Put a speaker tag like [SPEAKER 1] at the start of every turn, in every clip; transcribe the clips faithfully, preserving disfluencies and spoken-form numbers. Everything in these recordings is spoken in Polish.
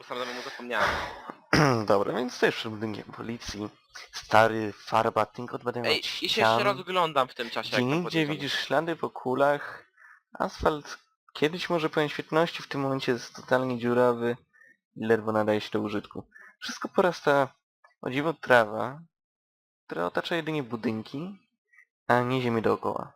[SPEAKER 1] sam mu zapomniałem.
[SPEAKER 2] Dobra, więc stoisz przed budynkiem policji. Stary, farba, tylko odbadają
[SPEAKER 1] Ej,
[SPEAKER 2] od
[SPEAKER 1] i się jeszcze
[SPEAKER 2] ścian.
[SPEAKER 1] rozglądam w tym czasie,
[SPEAKER 2] Gdzie
[SPEAKER 1] jak tam
[SPEAKER 2] nigdzie
[SPEAKER 1] podjeżdżamy.
[SPEAKER 2] widzisz ślady po kulach. Asfalt kiedyś może pełen świetności, w tym momencie jest totalnie dziurawy i ledwo nadaje się do użytku. Wszystko porasta o dziwo trawa, która otacza jedynie budynki, a nie ziemię dookoła.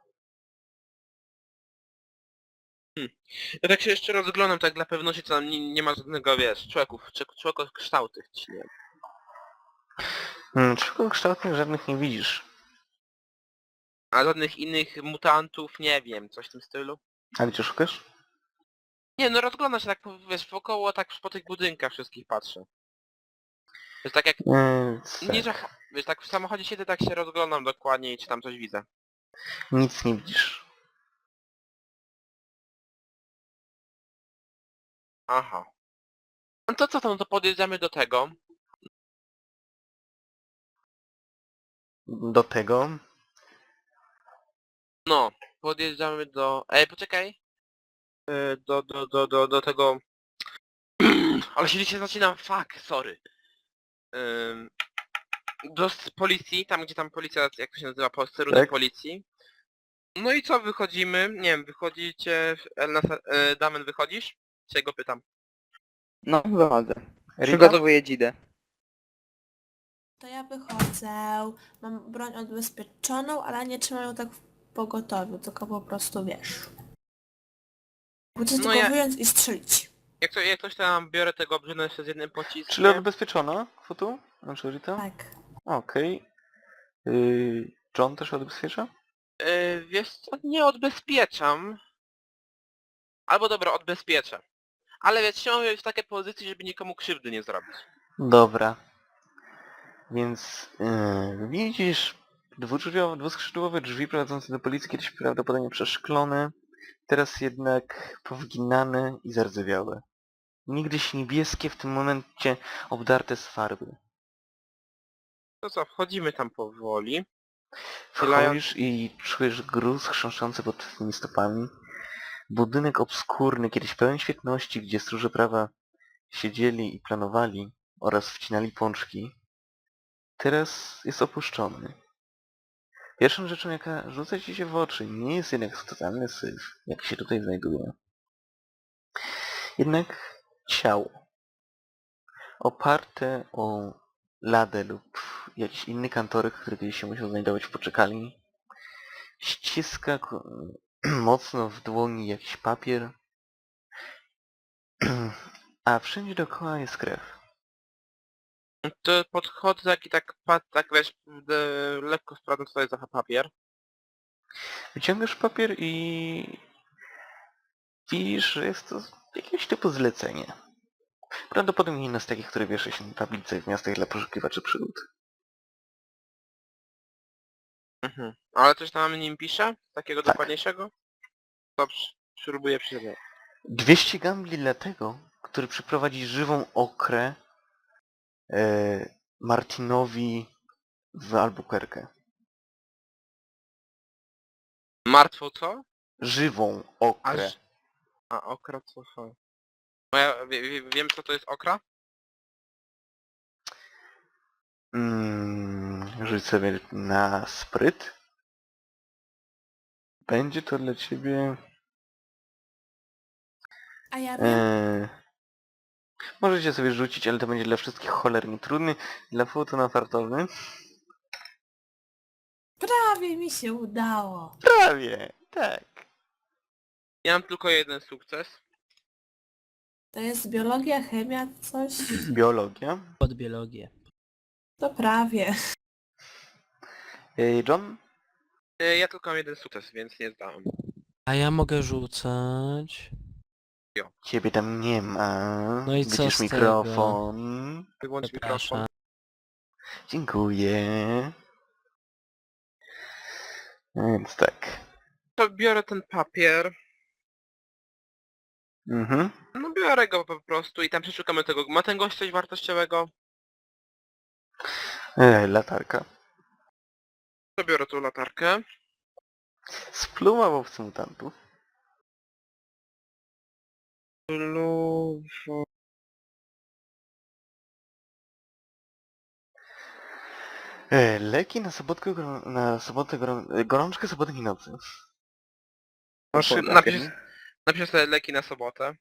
[SPEAKER 1] Ja tak się jeszcze rozglądam, tak dla pewności, co tam nie, nie ma żadnego, wiesz, człowieków, człowieków kształtych, czy nie.
[SPEAKER 2] Hmm, kształtnych żadnych nie widzisz.
[SPEAKER 1] A żadnych innych mutantów, nie wiem, coś w tym stylu.
[SPEAKER 2] A gdzie szukasz?
[SPEAKER 1] Nie, no rozglądam się tak, wiesz, wokoło, tak po tych budynkach wszystkich patrzę. Wiesz, tak jak,
[SPEAKER 2] Więc
[SPEAKER 1] nie, że,
[SPEAKER 2] tak,
[SPEAKER 1] wiesz, tak w samochodzie siedzę, tak się rozglądam dokładnie i czy tam coś widzę.
[SPEAKER 2] nic nie widzisz.
[SPEAKER 1] Aha. No to co tam, to podjedziemy do tego.
[SPEAKER 2] Do tego
[SPEAKER 1] No, podjeżdżamy do... Ej, poczekaj. E, Do, do, do, do, do tego... Ale się dzisiaj zaczynam, fuck, sorry. Ym, Do s- policji, tam gdzie tam policja, jak to się nazywa, posterunek
[SPEAKER 2] tak?
[SPEAKER 1] policji. No i co, wychodzimy? Nie wiem, wychodzicie... Elna, e, Damen, wychodzisz? Czy go pytam?
[SPEAKER 3] No, wychodzę.
[SPEAKER 2] Rita?
[SPEAKER 3] Przygotowuję dzidę.
[SPEAKER 4] To ja wychodzę, mam broń odbezpieczoną, ale nie trzymam ją tak w pogotowiu, tylko po prostu wiesz. Chcę
[SPEAKER 1] No
[SPEAKER 4] tylko
[SPEAKER 1] ja...
[SPEAKER 4] wyjąć i strzelić.
[SPEAKER 1] Jak, to, jak ktoś tam biorę tego obrzydłem jeszcze z jednym pociskiem.
[SPEAKER 2] Czyli odbezpieczona kwotu? Znaczy Rita?
[SPEAKER 4] Tak.
[SPEAKER 2] Okej. Yy, John też odbezpiecza?
[SPEAKER 1] Yy, wiesz co, nie odbezpieczam. Albo dobra, odbezpieczę. Ale wiesz, chciałem być w takiej pozycji, żeby nikomu krzywdy nie zrobić.
[SPEAKER 2] Dobra. Więc yy, widzisz dwudrzwiowe, dwuskrzydłowe drzwi prowadzące do policji, kiedyś prawdopodobnie przeszklone, teraz jednak powginane i zardzewiałe. Niegdyś niebieskie, w tym momencie obdarte z farby.
[SPEAKER 1] To co, wchodzimy tam powoli.
[SPEAKER 2] Wchodzisz i czujesz gruz chrząszczący pod twoimi stopami. Budynek obskurny, kiedyś pełen świetności, gdzie stróże prawa siedzieli i planowali oraz wcinali pączki, teraz jest opuszczony. Pierwszą rzeczą, jaka rzuca ci się w oczy, nie jest jednak totalny syf, jak się tutaj znajduje. Jednak ciało. Oparte o ladę lub jakiś inny kantorek, który kiedyś się musiał znajdować w poczekalni. Ściska mocno w dłoni jakiś papier, a wszędzie dookoła jest krew.
[SPEAKER 1] To podchodzę tak i tak, pat, tak wiesz, de, lekko sprawdzam co to jest za papier.
[SPEAKER 2] Wyciągasz papier i widzisz, że jest to jakiegoś typu zlecenie. Prawdopodobnie jedno z takich, które wiesza się na tablicach w miastach dla poszukiwaczy przygód.
[SPEAKER 1] Mhm. Ale coś tam nim pisze? Takiego
[SPEAKER 2] Tak.
[SPEAKER 1] dokładniejszego? To przy- spróbuję przeczytać.
[SPEAKER 2] dwieście gambli dla tego, który przyprowadzi żywą okrę e, Martinowi w Albuquerque.
[SPEAKER 1] Martwo co?
[SPEAKER 2] Żywą okrę.
[SPEAKER 1] Aż... A, okra co są? No ja wie, wie, wiem co to jest okra?
[SPEAKER 2] Mm, rzuć sobie na spryt. Będzie to dla ciebie...
[SPEAKER 4] A ja wiem,
[SPEAKER 2] E, możecie sobie rzucić, ale to będzie dla wszystkich cholernie trudny. Dla foto na fartowny.
[SPEAKER 4] prawie mi się udało.
[SPEAKER 2] Prawie, tak.
[SPEAKER 1] Ja mam tylko jeden sukces.
[SPEAKER 4] To jest biologia, chemia, coś?
[SPEAKER 2] Biologia.
[SPEAKER 5] Pod biologię.
[SPEAKER 4] To prawie.
[SPEAKER 2] E, John?
[SPEAKER 1] E, Ja tylko mam jeden sukces, więc nie zdałem.
[SPEAKER 5] A ja mogę rzucać.
[SPEAKER 2] Ciebie tam nie ma.
[SPEAKER 5] No i co
[SPEAKER 2] Widzisz
[SPEAKER 5] z tego?
[SPEAKER 2] mikrofon.
[SPEAKER 1] Wyłącz
[SPEAKER 5] Przepraszam.
[SPEAKER 1] mikrofon.
[SPEAKER 2] Dziękuję. Więc tak.
[SPEAKER 1] To biorę ten papier.
[SPEAKER 2] Mhm.
[SPEAKER 1] No biorę go po prostu i tam przeszukamy tego. Ma ten gość coś wartościowego?
[SPEAKER 2] E, latarka.
[SPEAKER 1] To biorę tą latarkę.
[SPEAKER 2] Spluma łowcy mutantów.
[SPEAKER 1] Lu-
[SPEAKER 2] E, leki na sobotkę, gro- na sobotę, gro- e, gorączkę soboty i nocy. Masz
[SPEAKER 3] To
[SPEAKER 2] szybę.
[SPEAKER 1] Napisz, napisz sobie leki na sobotę.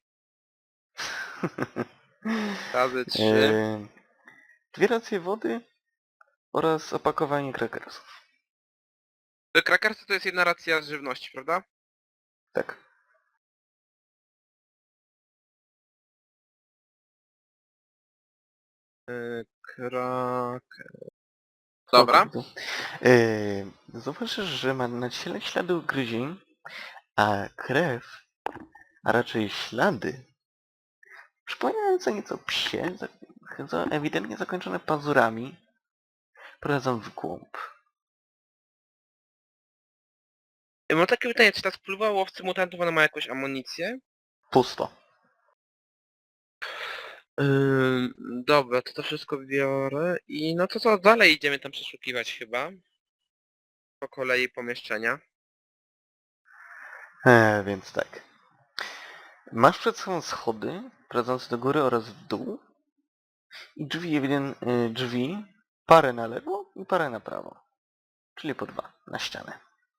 [SPEAKER 1] Razy trzy.
[SPEAKER 2] E, dwie racje wody oraz opakowanie krakersów.
[SPEAKER 1] Krakersy to jest jedna racja z żywności, prawda?
[SPEAKER 2] Tak.
[SPEAKER 1] Yy, krak... Dobra.
[SPEAKER 2] E, zauważysz, że ma na ciele ślady ugryzień, a krew, a raczej ślady, przypominające nieco psie, za- za- ewidentnie zakończone pazurami, prowadzą w głąb.
[SPEAKER 1] Yy, Mam takie pytanie, czy ta spluwa łowcy mutantów ona ma jakąś amunicję?
[SPEAKER 2] Pusto.
[SPEAKER 1] Yy, dobra, to to wszystko biorę i no to co, dalej idziemy tam przeszukiwać chyba. Po kolei pomieszczenia.
[SPEAKER 2] E, więc tak. Masz przed sobą schody prowadzące do góry oraz w dół i drzwi, ewident, y, drzwi, parę na lewo i parę na prawo. Czyli po dwa na ścianę.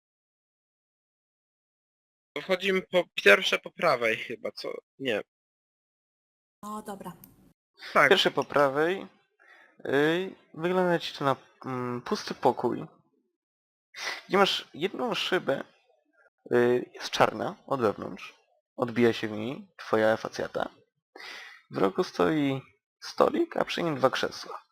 [SPEAKER 1] Wchodzimy po pierwsze po prawej chyba, co? Nie.
[SPEAKER 4] O, dobra.
[SPEAKER 1] Tak.
[SPEAKER 2] Pierwsze po prawej y, wygląda ci to na mm, pusty pokój, gdzie masz jedną szybę, y, jest czarna od wewnątrz, odbija się w niej twoja facjata. W rogu stoi stolik, a przy nim dwa krzesła.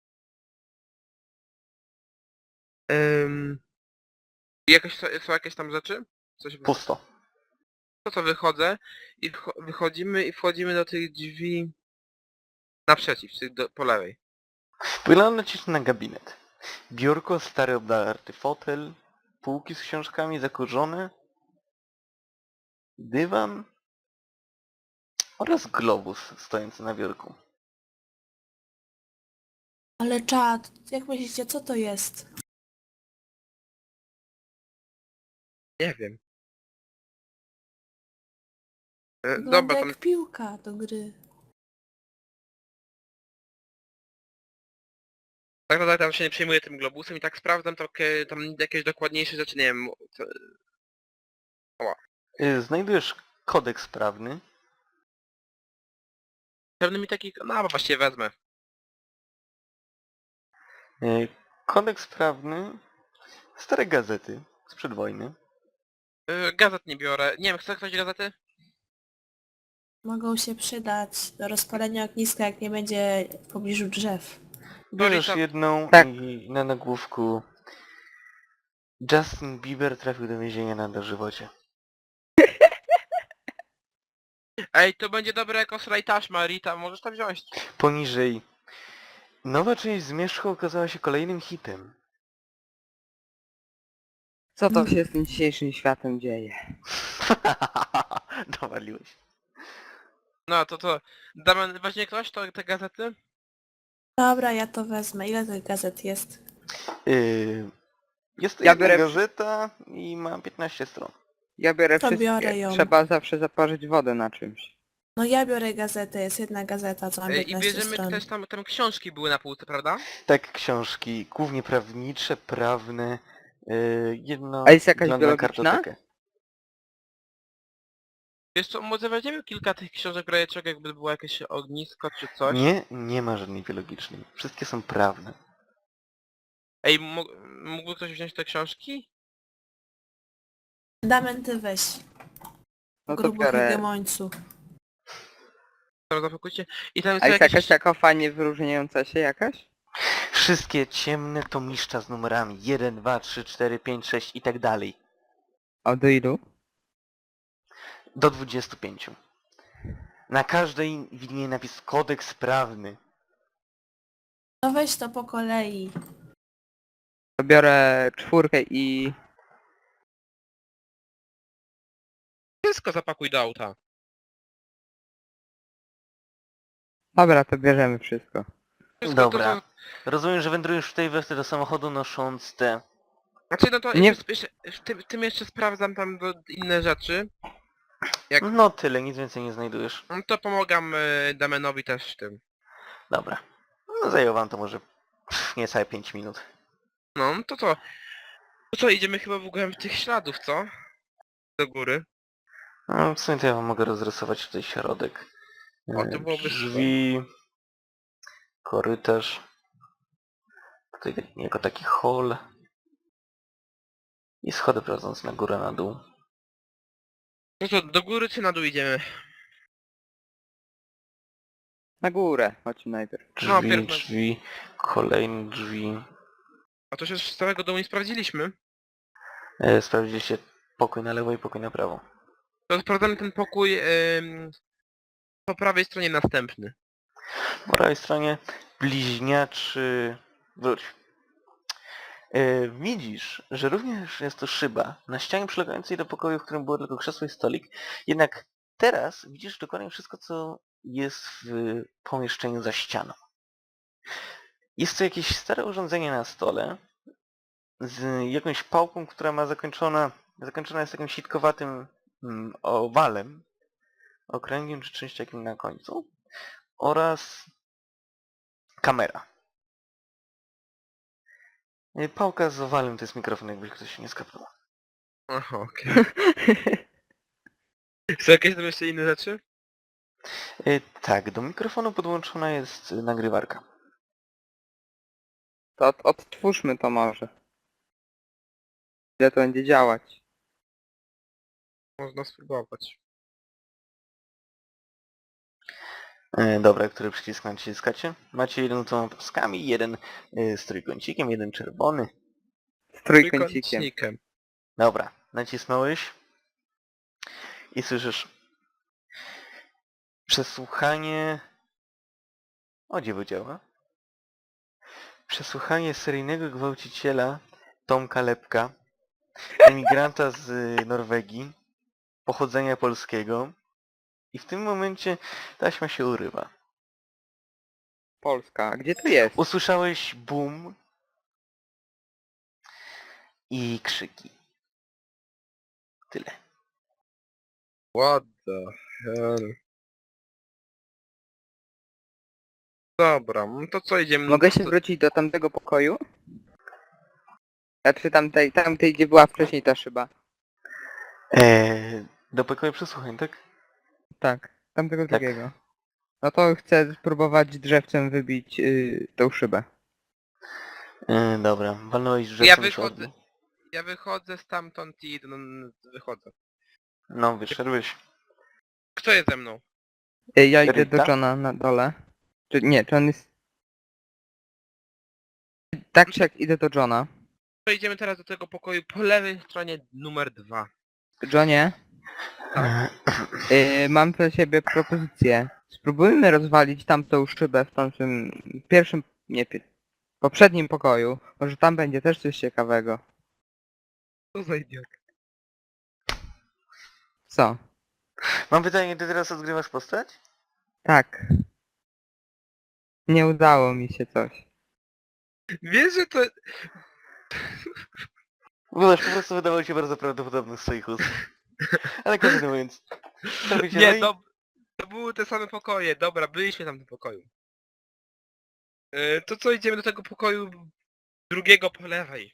[SPEAKER 1] Ym... Jakieś, są są jakieś tam rzeczy? Coś
[SPEAKER 2] Pusto.
[SPEAKER 1] to co wychodzę i wcho- wychodzimy i wchodzimy do tych drzwi naprzeciw, czyli do, po lewej.
[SPEAKER 2] Wygląda ci to na gabinet. Biurko, stary obdarty fotel, półki z książkami zakurzone, dywan oraz globus stojący na biurku.
[SPEAKER 4] Ale czad, jak myślicie, co to jest?
[SPEAKER 1] Nie wiem. E,
[SPEAKER 4] Wygląda
[SPEAKER 1] dobra, tam
[SPEAKER 4] jak piłka do gry.
[SPEAKER 1] tak naprawdę tam się nie przejmuję tym globusem i tak sprawdzam takie, tam jakieś dokładniejsze rzeczy, nie wiem. Co,
[SPEAKER 2] Y, Znajdujesz kodeks prawny,
[SPEAKER 1] pewny mi taki, no bo właściwie wezmę.
[SPEAKER 2] y, kodeks prawny, stare gazety sprzed wojny,
[SPEAKER 1] E, gazet nie biorę. Nie wiem, chce ktoś gazety?
[SPEAKER 4] Mogą się przydać do rozpalenia ogniska, jak nie będzie w pobliżu drzew.
[SPEAKER 2] bierzesz
[SPEAKER 1] Lolita-
[SPEAKER 2] jedną
[SPEAKER 3] Tak.
[SPEAKER 2] i na nagłówku Justin Bieber trafił do więzienia na dożywocie.
[SPEAKER 1] Ej, to będzie dobre jako slaj taśma, Rita, możesz to wziąć.
[SPEAKER 2] Poniżej nowa część Zmierzchu okazała się kolejnym hitem.
[SPEAKER 3] Co to się z tym dzisiejszym światem dzieje?
[SPEAKER 2] Dowaliłeś.
[SPEAKER 1] No to to, Damian, weźmie ktoś to, te gazety?
[SPEAKER 4] Dobra, ja to wezmę. Ile tych gazet jest?
[SPEAKER 2] Yy, jest to
[SPEAKER 3] Ja
[SPEAKER 2] jedna
[SPEAKER 3] biorę-
[SPEAKER 2] gazeta i ma piętnaście stron.
[SPEAKER 3] Ja biorę
[SPEAKER 4] To
[SPEAKER 3] wszystkie.
[SPEAKER 4] biorę ją.
[SPEAKER 3] Trzeba zawsze zaparzyć wodę na czymś.
[SPEAKER 4] No ja biorę gazetę, jest jedna gazeta, co ma
[SPEAKER 1] E, I
[SPEAKER 4] piętnaście
[SPEAKER 1] bierzemy
[SPEAKER 4] stron.
[SPEAKER 1] też tam, tam książki były na półce, prawda?
[SPEAKER 2] Tak, książki, głównie prawnicze, prawne, yy, jedno
[SPEAKER 3] A jest jakaś
[SPEAKER 2] wygląda na
[SPEAKER 3] biologiczna?
[SPEAKER 2] kartotekę.
[SPEAKER 1] Wiesz co, może weźmiemy kilka tych książek w razie czego, jakby było jakieś ognisko czy coś.
[SPEAKER 2] Nie, nie ma żadnej biologicznej. Wszystkie są prawne.
[SPEAKER 1] Ej, mógł- mógłby ktoś wziąć te książki?
[SPEAKER 4] Damian, ty weź.
[SPEAKER 3] No to
[SPEAKER 4] Grubo
[SPEAKER 3] biorę.
[SPEAKER 4] hegemońcu.
[SPEAKER 1] Dobra, zapakujcie. I tam
[SPEAKER 3] A
[SPEAKER 1] są
[SPEAKER 3] jest
[SPEAKER 1] jakieś...
[SPEAKER 3] jakaś taka fajnie wyróżniająca się jakaś?
[SPEAKER 2] Wszystkie ciemne tomiszcza z numerami jeden, dwa, trzy, cztery, pięć, sześć i tak dalej.
[SPEAKER 3] A do ilu?
[SPEAKER 2] Do dwudziestu pięciu. Na każdej widnieje napis kodeks prawny.
[SPEAKER 4] No weź to po kolei.
[SPEAKER 3] To biorę czwórkę i...
[SPEAKER 1] Wszystko zapakuj do auta.
[SPEAKER 3] Dobra, to bierzemy wszystko.
[SPEAKER 1] Wszystko
[SPEAKER 2] Dobra.
[SPEAKER 1] To,
[SPEAKER 2] Rozumiem, że wędrujesz w tej wersji do samochodu nosząc te...
[SPEAKER 1] to, znaczy no to
[SPEAKER 3] Nie-
[SPEAKER 1] jeszcze, jeszcze, w, tym, w tym jeszcze sprawdzam tam do, inne rzeczy. Jak...
[SPEAKER 2] No tyle, nic więcej nie znajdujesz.
[SPEAKER 1] No to pomagam y, Damianowi też w tym.
[SPEAKER 2] Dobra. No zajęło wam to może pff, niecałe pięć minut.
[SPEAKER 1] No, to co? To co, idziemy chyba w ogóle w tych śladów, co? Do góry.
[SPEAKER 2] No, w sumie to ja wam mogę rozrysować tutaj środek.
[SPEAKER 1] O, to
[SPEAKER 2] E,
[SPEAKER 1] byłoby
[SPEAKER 2] Drzwi, korytarz, tutaj taki- jako taki hall i schody prowadzące na górę, na dół.
[SPEAKER 1] No to do góry czy na dół idziemy?
[SPEAKER 3] Na górę, chodźmy najpierw.
[SPEAKER 1] No,
[SPEAKER 2] Drzwi,
[SPEAKER 1] pierw na-
[SPEAKER 2] drzwi, kolejne drzwi.
[SPEAKER 1] A to się z całego domu nie sprawdziliśmy.
[SPEAKER 2] E, Sprawdziliście pokój na lewo i pokój na prawo.
[SPEAKER 1] To sprawdzamy ten pokój ym, po prawej stronie następny.
[SPEAKER 2] Po prawej stronie bliźniaczy... Wróć. E, widzisz, że również jest to szyba na ścianie przylegającej do pokoju, w którym było tylko krzesło i stolik. Jednak teraz widzisz dokładnie wszystko, co jest w pomieszczeniu za ścianą. Jest to jakieś stare urządzenie na stole z jakąś pałką, która ma zakończona, zakończona jest takim sitkowatym mm, owalem, okręgiem czy czymś takim na końcu oraz kamera. Y, Pałka z owalem to jest mikrofon, jakby ktoś się nie skapnął.
[SPEAKER 1] Aha, okej. Są jakieś tam jeszcze inne rzeczy?
[SPEAKER 2] Y, Tak, do mikrofonu podłączona jest y, nagrywarka.
[SPEAKER 3] To od, odtwórzmy to może. Ile to będzie działać?
[SPEAKER 1] Można spróbować.
[SPEAKER 2] Y, Dobra, który przycisk naciskacie? Macie jeden z dwoma paskami, jeden y, z trójkącikiem, jeden czerwony.
[SPEAKER 3] Z trójkącikiem.
[SPEAKER 1] Trójkątnikiem.
[SPEAKER 2] Dobra, nacisnąłeś i słyszysz przesłuchanie... O, dziwo działa. Przesłuchanie seryjnego gwałciciela Tomka Lepka, emigranta z y, Norwegii, pochodzenia polskiego. I w tym momencie taśma się urywa.
[SPEAKER 3] Polska. A gdzie to jest?
[SPEAKER 2] Usłyszałeś boom i krzyki. Tyle.
[SPEAKER 1] What the hell? Dobra, no to co idziemy?
[SPEAKER 3] Mogę się
[SPEAKER 1] to,
[SPEAKER 3] wrócić do tamtego pokoju? Znaczy tamtej, tamtej gdzie była wcześniej ta szyba.
[SPEAKER 2] Eee, do pokoju przesłuchań, tak?
[SPEAKER 3] Tak, tamtego
[SPEAKER 2] Tak.
[SPEAKER 3] drugiego. No to chcę spróbować drzewcem wybić yy, tą szybę.
[SPEAKER 2] Eee, dobra, walnąłeś
[SPEAKER 1] Ja
[SPEAKER 2] drzewcem
[SPEAKER 1] wychodzę. Ja wychodzę stamtąd i no, wychodzę.
[SPEAKER 2] No, wyszedłeś.
[SPEAKER 1] Kto jest ze mną?
[SPEAKER 3] Yy, ja idę
[SPEAKER 2] Rita?
[SPEAKER 3] do Johna na dole. Czy nie, czy on jest... Tak czy jak idę do Johna.
[SPEAKER 1] To idziemy teraz do tego pokoju po lewej stronie numer dwa.
[SPEAKER 3] Johnie,
[SPEAKER 2] Tak.
[SPEAKER 3] yy, mam dla ciebie propozycję. Spróbujmy rozwalić tamtą szybę w tamtym pierwszym, nie, pi- poprzednim pokoju. Może tam będzie też coś ciekawego.
[SPEAKER 1] Co za idiot.
[SPEAKER 3] Co?
[SPEAKER 2] Mam pytanie, ty teraz odgrywasz postać?
[SPEAKER 3] Tak. Nie udało mi się coś.
[SPEAKER 1] Wiesz, że to...
[SPEAKER 2] Wydasz, po prostu wydawał się bardzo prawdopodobny z swoich ust. Ale kontynuując. Co robicie
[SPEAKER 1] Nie,
[SPEAKER 2] dalej?
[SPEAKER 1] to, to były te same pokoje. Dobra, byliśmy tam w tym pokoju. Yy, to co, idziemy do tego pokoju drugiego po lewej.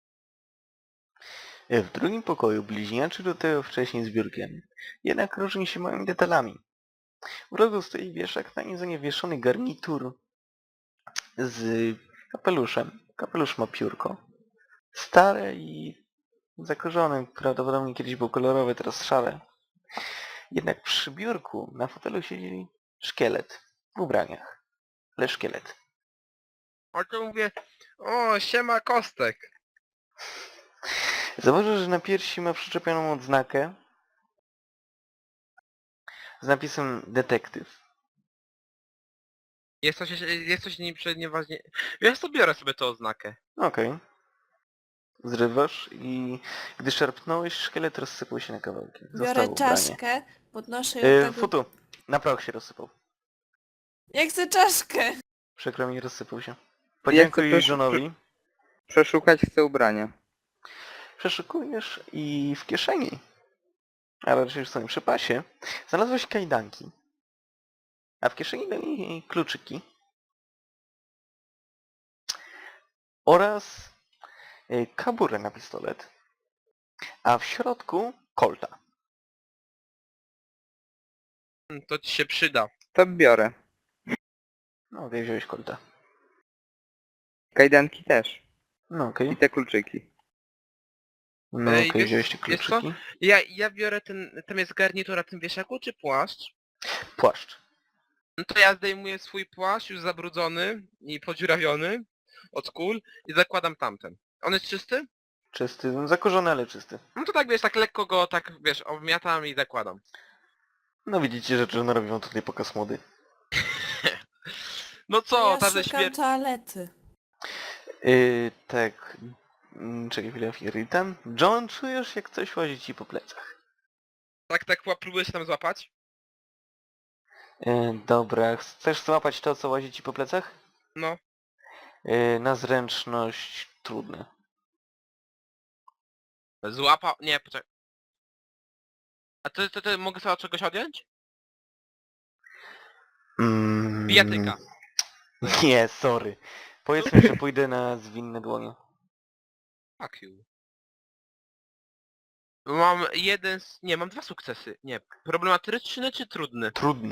[SPEAKER 2] E, W drugim pokoju bliźniaczy do tego wcześniej z biurkiem. Jednak różni się małymi detalami. W rogu stoi wieszak, na nim zaniewieszony garnitur z kapeluszem. Kapelusz ma piórko. Stare i zakorzone, prawdopodobnie kiedyś był kolorowy, teraz szare. Jednak przy biurku na fotelu siedzi szkielet w ubraniach. Ale szkielet.
[SPEAKER 1] A to mówię, o, siema Kostek.
[SPEAKER 2] Zauważysz, że na piersi ma przyczepioną odznakę z napisem detektyw.
[SPEAKER 1] Jest coś, jest coś nie, nieważnie. Wiesz co, biorę sobie tę oznakę.
[SPEAKER 2] Okej. Zrywasz i gdy szarpnąłeś, szkielet rozsypał się na kawałki.
[SPEAKER 4] Biorę
[SPEAKER 2] Zostało ubranie.
[SPEAKER 4] czaszkę, podnoszę ją
[SPEAKER 2] Yy,
[SPEAKER 4] tak...
[SPEAKER 2] futu. Na proch się rozsypał.
[SPEAKER 4] Ja chcę czaszkę!
[SPEAKER 2] Przykro mi, rozsypał się.
[SPEAKER 3] chcę
[SPEAKER 2] Podziękuj
[SPEAKER 3] też-
[SPEAKER 2] Johnowi.
[SPEAKER 3] Przeszukać chcę ubrania.
[SPEAKER 2] Przeszukujesz i w kieszeni, a raczej w swoim przepasie, znalazłeś kajdanki. A w kieszeni do niej kluczyki. Oraz y, kaburę na pistolet, a w środku kolta.
[SPEAKER 1] Hmm, To ci się przyda.
[SPEAKER 3] To biorę.
[SPEAKER 2] No okej, wziąłeś kolta.
[SPEAKER 3] Kajdanki też.
[SPEAKER 2] No okej.
[SPEAKER 3] I te kluczyki.
[SPEAKER 2] No
[SPEAKER 1] Ej,
[SPEAKER 2] okej,
[SPEAKER 1] wiesz-
[SPEAKER 2] wziąłeś te
[SPEAKER 1] wiesz co?
[SPEAKER 2] kluczyki.
[SPEAKER 1] Ja, ja biorę ten... Tam jest garnitur na tym wieszaku, czy płaszcz?
[SPEAKER 2] Płaszcz.
[SPEAKER 1] No to ja zdejmuję swój płaszcz już zabrudzony i podziurawiony od kul i zakładam tamten. On jest czysty?
[SPEAKER 2] Czysty, no, zakorzony, ale czysty.
[SPEAKER 1] No to tak wiesz, tak lekko go tak wiesz, obmiatam i zakładam.
[SPEAKER 2] No widzicie, że John robi wam tutaj pokaz mody.
[SPEAKER 1] No co,
[SPEAKER 4] ja
[SPEAKER 1] ta ze
[SPEAKER 4] szukam
[SPEAKER 1] śmierci...
[SPEAKER 4] toalety.
[SPEAKER 2] Yy, tak. Mm, Czekaj chwilę, Ritan. John, czujesz jak coś łazi ci po plecach.
[SPEAKER 1] Tak, tak ła- próbuję się tam złapać?
[SPEAKER 2] Yy, dobra, chcesz złapać to, co łazi ci po plecach?
[SPEAKER 1] No.
[SPEAKER 2] Yy, na zręczność trudne.
[SPEAKER 1] Złapał... Nie, poczekaj. A ty, ty, ty mogę sobie od czegoś odjąć?
[SPEAKER 2] Mm,
[SPEAKER 1] Bijatyka.
[SPEAKER 2] Nie, sorry. Powiedzmy, że pójdę na zwinne dłonie.
[SPEAKER 1] Fuck you. Mam jeden... s- Nie, mam dwa sukcesy. Nie, problematyczny czy trudny?
[SPEAKER 2] Trudny.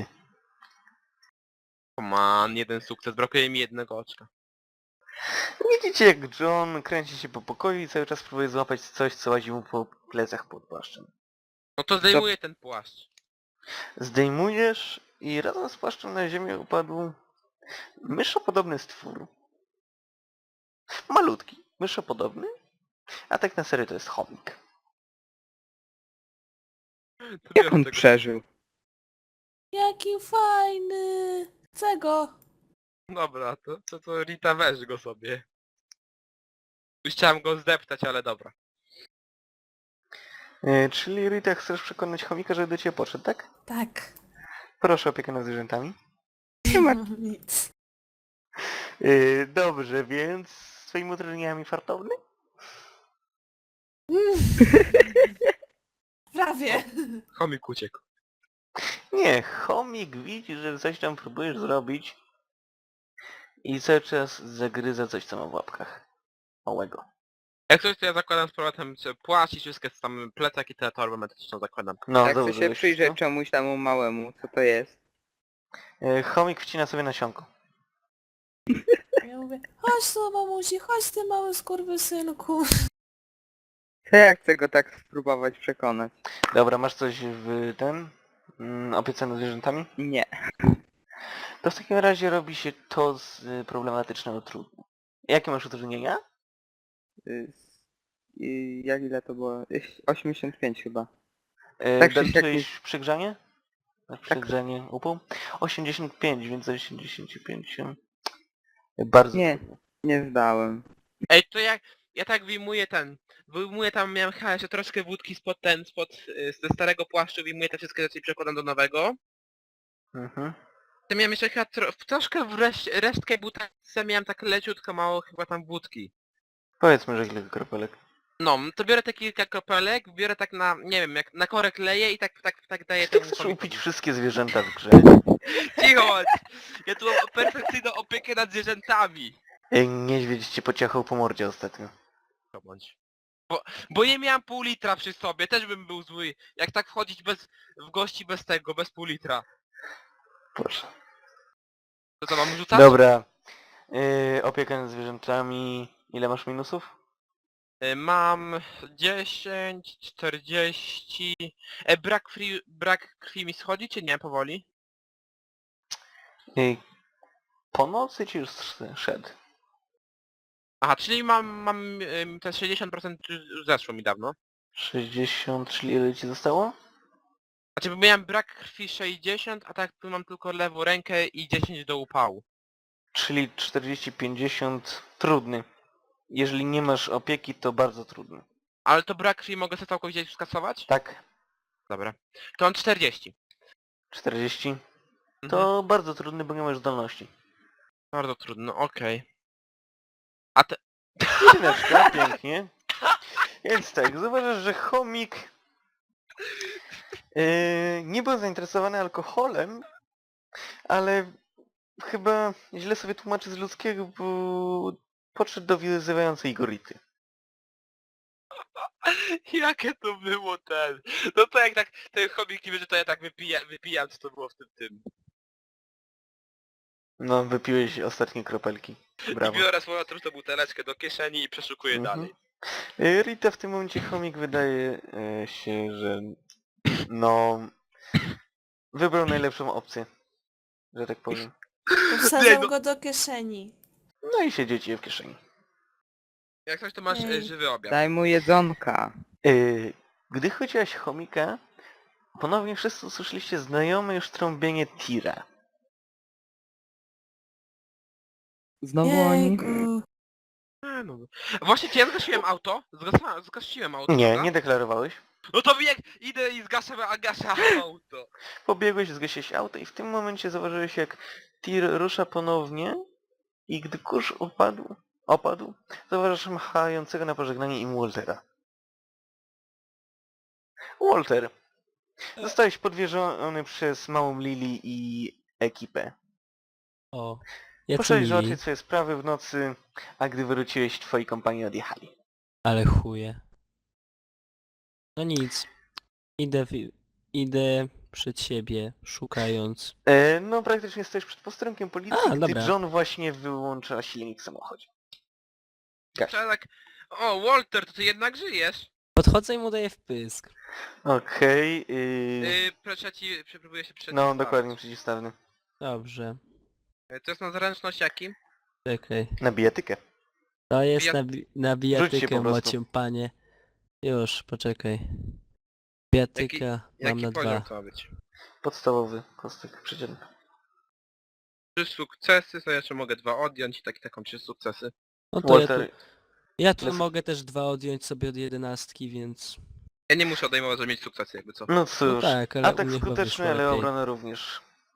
[SPEAKER 1] Man, jeden sukces, brakuje mi jednego oczka.
[SPEAKER 2] Widzicie jak John kręci się po pokoju i cały czas próbuje złapać coś, co łazi mu po plecach pod płaszczem.
[SPEAKER 1] No to zdejmuję ten płaszcz.
[SPEAKER 2] Zdejmujesz i razem z płaszczem na ziemię upadł myszopodobny stwór. Malutki, myszopodobny, a tak na serio to jest chomik.
[SPEAKER 1] To
[SPEAKER 3] Jak
[SPEAKER 1] biorę
[SPEAKER 3] on
[SPEAKER 1] tego-
[SPEAKER 3] przeżył?
[SPEAKER 4] Jaki fajny! Chcę go!
[SPEAKER 1] Dobra, to, to, to Rita weź go sobie. Już chciałem go zdeptać, ale dobra.
[SPEAKER 2] E, czyli Rita, chcesz przekonać chomika, żeby do ciebie podszedł, tak?
[SPEAKER 4] Tak.
[SPEAKER 2] Proszę o opiekę nad zwierzętami.
[SPEAKER 3] Nie ma...
[SPEAKER 4] Nic.
[SPEAKER 2] E, dobrze, więc z twoimi utrudnieniami fartowny?
[SPEAKER 4] Prawie.
[SPEAKER 1] Chomik uciekł.
[SPEAKER 2] Nie, chomik widzi, że coś tam próbujesz zrobić i cały czas zagryza coś, co ma w łapkach. Małego.
[SPEAKER 1] Jak coś, to ja zakładam z powrotem czy płaszcz i wszystkie tam plecak i tę torbę medyczną zakładam.
[SPEAKER 2] No,
[SPEAKER 3] Jak chcę
[SPEAKER 2] dobrze,
[SPEAKER 3] się
[SPEAKER 2] wiesz
[SPEAKER 3] przyjrzeć
[SPEAKER 2] co?
[SPEAKER 3] czemuś temu małemu, co to jest?
[SPEAKER 2] E, chomik wcina sobie nasionko.
[SPEAKER 4] Ja mówię, chodź tu mamusi, chodź ty mały skurwysynku.
[SPEAKER 3] To ja chcę go tak spróbować przekonać.
[SPEAKER 2] Dobra, masz coś w ten? Mm, opiece nad zwierzętami?
[SPEAKER 3] Nie.
[SPEAKER 2] To w takim razie robi się to z y, problematycznego trudne. Jakie masz utrudnienia?
[SPEAKER 3] Y, y, Jak ile to było? Y, osiemdziesiąt pięć chyba.
[SPEAKER 2] E,
[SPEAKER 3] Tak czy
[SPEAKER 2] tak,
[SPEAKER 3] siak
[SPEAKER 2] coś przegrzanie? Na przegrzanie upół? osiemdziesiąt pięć, więc osiemdziesiąt pięć się... Bardzo
[SPEAKER 3] Nie.
[SPEAKER 2] trudne.
[SPEAKER 3] Nie zdałem.
[SPEAKER 1] Ej, to jak... Ja tak wyjmuję ten... Wyjmuję tam, miałem chyba jeszcze troszkę wódki spod ten, spod... y, ze starego płaszczu, wyjmuję te wszystkie rzeczy i przekładam do nowego.
[SPEAKER 2] Mhm.
[SPEAKER 1] To miałem jeszcze chyba tro, troszkę w resz, resztkę butelce, miałem tak leciutko mało chyba tam wódki.
[SPEAKER 2] Powiedzmy, że kilka kropelek.
[SPEAKER 1] No, to biorę te kilka kropelek, biorę tak na, nie wiem, jak na korek leję i tak, tak, tak daję
[SPEAKER 2] Ty
[SPEAKER 1] temu
[SPEAKER 2] chcesz
[SPEAKER 1] chomikowi.
[SPEAKER 2] upić wszystkie zwierzęta w grze.
[SPEAKER 1] Cicho bądź! Ja tu mam perfekcyjną opiekę nad zwierzętami.
[SPEAKER 2] Ej, niedźwiedź cię pociachał po mordzie ostatnio.
[SPEAKER 1] To bądź. Bo, bo nie miałem pół litra przy sobie, też bym był zły. Jak tak wchodzić bez, w gości bez tego, bez pół litra.
[SPEAKER 2] Proszę.
[SPEAKER 1] To co, mam rzucać?
[SPEAKER 2] Dobra. Yy, opieka nad zwierzętami. Ile masz minusów?
[SPEAKER 1] Y, Mam dziesięć, czterdzieści... E, brak krwi, brak krwi mi schodzi, czy nie, powoli?
[SPEAKER 2] Yy, po nocy ci już sz- szedł.
[SPEAKER 1] Aha, czyli mam, mam ym, te sześćdziesiąt procent już zeszło mi dawno.
[SPEAKER 2] sześćdziesiąt, czyli ile ci zostało?
[SPEAKER 1] Znaczy, bo miałem brak krwi sześćdziesiąt, a tak tu mam tylko lewą rękę i dziesięć do upału.
[SPEAKER 2] Czyli czterdzieści pięćdziesiąt trudny. Jeżeli nie masz opieki, to bardzo trudny.
[SPEAKER 1] Ale to brak krwi mogę sobie całkowicie skasować?
[SPEAKER 2] Tak?
[SPEAKER 1] Dobra. To mam czterdzieści.
[SPEAKER 2] czterdzieści?
[SPEAKER 1] Mhm.
[SPEAKER 2] To bardzo trudny, bo nie masz zdolności.
[SPEAKER 1] Bardzo trudno, okej. A te...
[SPEAKER 2] Jedyneczka, pięknie. Więc tak, zauważasz, że chomik yy, nie był zainteresowany alkoholem, ale chyba źle sobie tłumaczy z ludzkiego, bo podszedł do wyzywającej go Rity.
[SPEAKER 1] Jakie to było ten? No to jak tak ten chomik niby, że to ja tak wypija, wypijam, co to było w tym tym.
[SPEAKER 2] No, wypiłeś ostatnie kropelki.
[SPEAKER 1] I
[SPEAKER 2] Brawo.
[SPEAKER 1] biorę swoją tą buteleczkę do kieszeni i przeszukuję
[SPEAKER 2] Mhm.
[SPEAKER 1] dalej.
[SPEAKER 2] Y, Rita w tym momencie chomik wydaje y, się, że no wybrał najlepszą opcję, że tak powiem.
[SPEAKER 1] Nie,
[SPEAKER 4] Wsadzam
[SPEAKER 1] no-
[SPEAKER 4] go do kieszeni.
[SPEAKER 2] No i siedzi ci w kieszeni.
[SPEAKER 1] Jak coś to masz e,
[SPEAKER 4] Ej.
[SPEAKER 1] żywy obiad.
[SPEAKER 3] Daj mu jedzonka.
[SPEAKER 2] Y, Gdy chodziłaś chomika, ponownie wszyscy usłyszeliście znajome już trąbienie tira.
[SPEAKER 3] Znowu oni?
[SPEAKER 4] Jejku.
[SPEAKER 1] A, no. Właśnie czy ja zgasiłem auto? Zgasa, zgasiłem auto,
[SPEAKER 2] Nie,
[SPEAKER 1] prawda?
[SPEAKER 2] nie deklarowałeś.
[SPEAKER 1] No to jak idę i zgaszę, a gaszę auto.
[SPEAKER 2] Pobiegłeś, zgasiłeś auto i w tym momencie zauważyłeś, jak tir rusza ponownie i gdy kurz opadł, opadł, zauważasz machającego na pożegnanie im Waltera. Walter, zostałeś podwieziony przez małą Lili i ekipę.
[SPEAKER 5] O. Jacy
[SPEAKER 2] Poszedłeś
[SPEAKER 5] mili,
[SPEAKER 2] załatwić swoje sprawy w nocy, a gdy wróciłeś, twoi kompanii odjechali.
[SPEAKER 5] ale chuje. No nic. Idę, w, idę przed siebie, szukając.
[SPEAKER 2] E, no praktycznie stoisz przed posterunkiem policji,
[SPEAKER 5] A,
[SPEAKER 2] gdy
[SPEAKER 5] dobra.
[SPEAKER 2] John właśnie wyłącza silnik w samochodzie. Gaś.
[SPEAKER 1] Trzeba tak... O, Walter, to ty jednak żyjesz.
[SPEAKER 5] Podchodzę i mu daję wpysk.
[SPEAKER 2] Okej, yy...
[SPEAKER 1] Yy, proszę ci, próbuję się przed.
[SPEAKER 2] no dokładnie przeciwstawny.
[SPEAKER 5] Dobrze.
[SPEAKER 1] To jest na zręczność jaki?
[SPEAKER 5] Czekaj.
[SPEAKER 2] Na bijatykę.
[SPEAKER 5] To jest
[SPEAKER 1] Bijat-
[SPEAKER 5] na, bi- na
[SPEAKER 2] Rzuć się
[SPEAKER 5] bijatykę,
[SPEAKER 2] po prostu.
[SPEAKER 5] macie panie. Już, poczekaj. Bijatyka mam
[SPEAKER 1] Jaki
[SPEAKER 5] na
[SPEAKER 1] poziom
[SPEAKER 5] dwa.
[SPEAKER 1] to ma być?
[SPEAKER 2] Podstawowy kostek przeciętny.
[SPEAKER 1] Trzy sukcesy, to jeszcze mogę dwa odjąć i tak, taką trzy sukcesy.
[SPEAKER 5] No to ja tu,
[SPEAKER 2] Walter,
[SPEAKER 5] ja tu
[SPEAKER 2] Jest-
[SPEAKER 5] mogę też dwa odjąć sobie od jedenastki, więc...
[SPEAKER 1] Ja nie muszę odejmować, żeby mieć sukcesy jakby co.
[SPEAKER 2] no
[SPEAKER 5] No
[SPEAKER 2] cóż,
[SPEAKER 5] tak, ale u
[SPEAKER 2] atak
[SPEAKER 5] mnie chyba
[SPEAKER 2] skuteczny,
[SPEAKER 5] wyszło
[SPEAKER 2] ale
[SPEAKER 5] lepiej.
[SPEAKER 2] obrona również.